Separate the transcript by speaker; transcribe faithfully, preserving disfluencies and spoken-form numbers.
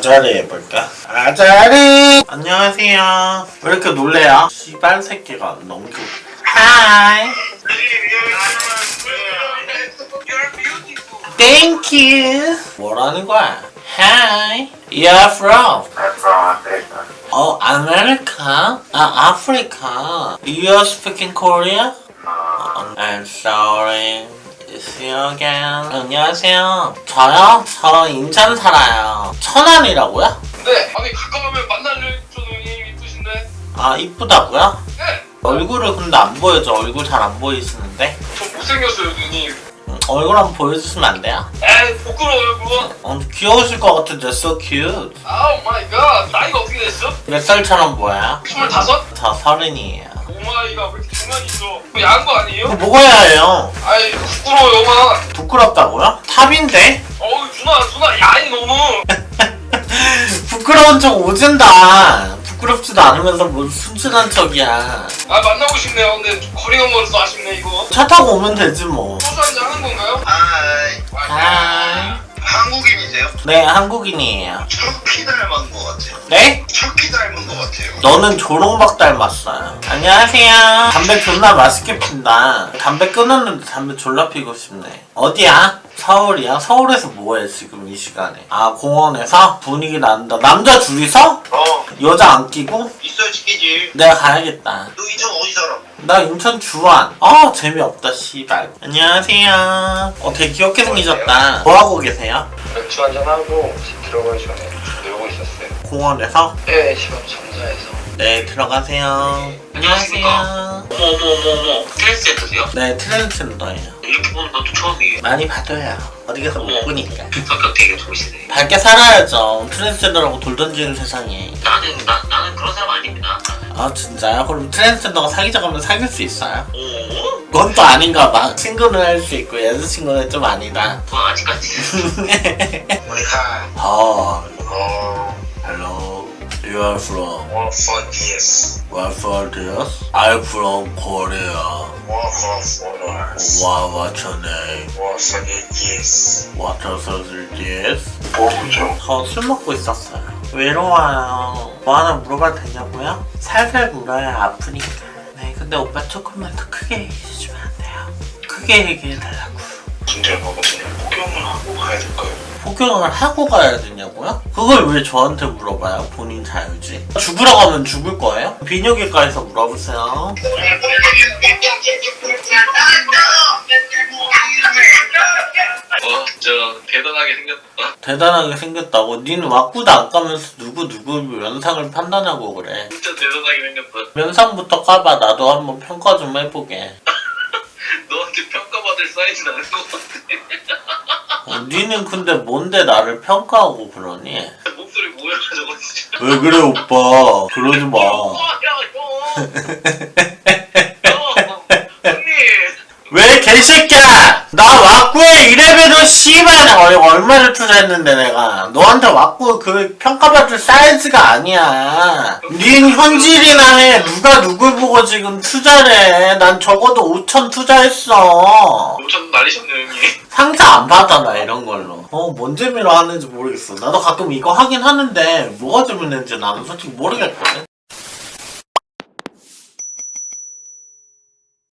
Speaker 1: 아자리 해볼까? 아자리! 안녕하세요. 왜 이렇게 놀래요? 씨발 새끼가 너무 귀여워. 하이! Thank you! 뭐라는 거야? Hi! You're from?
Speaker 2: I'm from America.
Speaker 1: 어, 아메리카? 아, 아프리카. You're speaking Korea?
Speaker 2: Uh,
Speaker 1: I'm sorry. It's you again. 안녕하세요. 저요? 저 인천 살아요. 천안이라고요?
Speaker 3: 네, 아니 가까우면 만날려 좀 누님 이쁘신데.
Speaker 1: 아, 이쁘다고요?
Speaker 3: 네,
Speaker 1: 얼굴을 근데 안 보여줘. 얼굴 잘 안 보이시는데.
Speaker 3: 좀 못생겼어요 누님.
Speaker 1: 음, 얼굴 한번 보여주시면 안 돼요?
Speaker 3: 에이 부끄러워요 그거.
Speaker 1: 어, 귀여우실 것 같은데 so cute.
Speaker 3: 아우 마이 갓. 나이가 어떻게 됐어?
Speaker 1: 몇 살처럼 보여요?
Speaker 3: 스물다섯?
Speaker 1: 저 서른이에요.
Speaker 3: 오마이가 왜 이렇게 중간이 있어? 뭐 야한 거 아니에요?
Speaker 1: 이거 먹어야 해요.
Speaker 3: 아이 부끄러워요 마.
Speaker 1: 부끄럽다고요? 탑인데?
Speaker 3: 어우 누나 누나 야이 너무.
Speaker 1: 부끄러운 척 오진다. 부끄럽지도 않으면서 뭐 순진한 척이야.
Speaker 3: 아 만나고 싶네요. 근데 좀 거리가 멀어서 아쉽네 이거.
Speaker 1: 차 타고 오면 되지 뭐.
Speaker 3: 소주 한잔 하는 건가요?
Speaker 2: 하이.
Speaker 1: 하이.
Speaker 2: 한국인이세요?
Speaker 1: 네, 한국인이에요.
Speaker 2: 터키 닮은 것 같아요.
Speaker 1: 네?
Speaker 2: 터키 닮은 것 같아요.
Speaker 1: 너는 조롱박 닮았어요. 안녕하세요. 담배 존나 맛있게 핀다. 담배 끊었는데 담배 졸라 피고 싶네. 어디야? 서울이야? 서울에서 뭐해 지금 이 시간에? 아, 공원에서? 분위기 난다. 남자 둘이서?
Speaker 2: 어,
Speaker 1: 여자 안 끼고?
Speaker 2: 있어야 지키지.
Speaker 1: 내가 가야겠다.
Speaker 2: 너 인천 어디 살아?
Speaker 1: 나 인천 주안. 아, 재미없다 씨발. 안녕하세요. 어, 되게 귀엽게 생기셨다. 뭐하고 계세요?
Speaker 3: 맥주 한잔 하고 집 들어가기 전에 놀고 있었어요.
Speaker 1: 공원에서?
Speaker 3: 네, 지금 정자에서.
Speaker 1: 네, 들어가세요. 안녕하세요.
Speaker 4: 어머 어머 어머 어머 트랜스젠더세요?
Speaker 1: 네, 트랜스젠더예요.
Speaker 4: 이렇게 보는 것도 처음이에요.
Speaker 1: 많이 받아요. 어디 가서 못 보니까.
Speaker 4: 성격 되게 좋으시네.
Speaker 1: 밝게 살아야죠. 트랜스젠더라고 돌 던지는 세상에.
Speaker 4: 나는 나, 나는 그런 사람 아닙니다.
Speaker 1: 아, 진짜요? 그럼 트랜스젠더가 사귀자고 하면 사귈 수 있어요?
Speaker 4: 오?
Speaker 1: 그건 또 아닌가 봐. 친구는 할 수 있고 여자친구는 좀 아니다.
Speaker 4: 뭐 아직까지.
Speaker 2: 우리 하이.
Speaker 1: 어,
Speaker 2: 어,
Speaker 1: hello. You are from?
Speaker 2: what for this?
Speaker 1: Where for this? I'm from Korea.
Speaker 2: What for us?
Speaker 1: Wow, what's your name?
Speaker 2: What for this?
Speaker 1: What is this?
Speaker 2: 모르죠.
Speaker 1: 저 술 먹고 있었어요. 외로워요. 뭐 하나 물어봐도 되냐고요? 살살 물어요. 아프니까. 네, 근데 오빠 조금만 더 크게 얘기해주면 안 돼요? 크게 얘기해달라고.
Speaker 2: 진짜 뭐거든요. 폭염을 하고 가야 될까요?
Speaker 1: 폭격을 하고 가야 되냐고요? 그걸 왜 저한테 물어봐요? 본인 자유지. 죽으러 가면 죽을 거예요? 비뇨기과에서 물어보세요.
Speaker 3: 어, 저 대단하게 생겼다.
Speaker 1: 대단하게 생겼다고? 니는 왁구도 안 까면서 누구 누구 면상을 판단하고 그래.
Speaker 3: 진짜 대단하게 생겼다.
Speaker 1: 면상부터 까봐. 나도 한번 평가 좀 해보게.
Speaker 3: 너한테 평가받을 사이즈는 아닌 것 같아.
Speaker 1: 어, 니는 근데 뭔데 나를 평가하고 그러니?
Speaker 3: 목소리 뭐야 저거 진짜.
Speaker 1: 왜 그래 오빠? 그러지 마.
Speaker 3: 형. 형. 언니.
Speaker 1: 왜 개새끼야! 나 왁구에 이 레벨은 씨발 어, 얼마를 투자했는데 내가 너한테 왁구 그 평가받을 사이즈가 아니야. 닌 현질이나 해. 누가 누굴 보고 지금 투자를 해. 난 적어도 오천 투자했어.
Speaker 3: 오천 날리셨네 형님.
Speaker 1: 상자 안 받아 나 이런 걸로. 어, 뭔 재미로 하는지 모르겠어. 나도 가끔 이거 하긴 하는데 뭐가 재밌는지 나는 솔직히 모르겠거든.